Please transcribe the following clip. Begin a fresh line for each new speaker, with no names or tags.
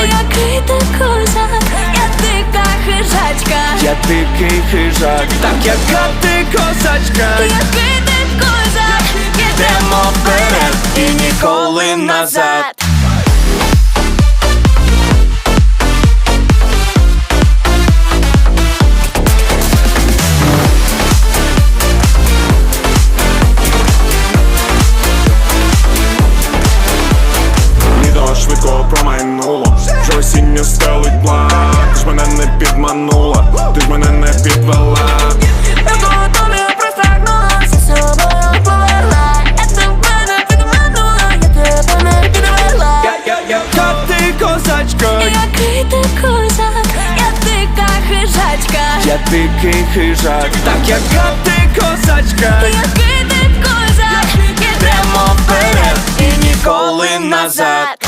Який ти козак, я дика хижачка.
Я дикий хижак, так яка ти козачка.
Який ти козак,
Йдемо вперед і ніколи назад.
Літо швидко промайнуло, вже осінню стелить блак. Ти ж мене не підманула, ти ж мене не підвела.
я того тобі простягнула, за собою повела. Я тебе не підманула, я тебе не підвела.
Яка ти козачка.
Який ти козак, я дика хижачка.
Я дикий хижак, так яка ти козачка.
Який ти козак,
Йдемо вперед і ніколи назад.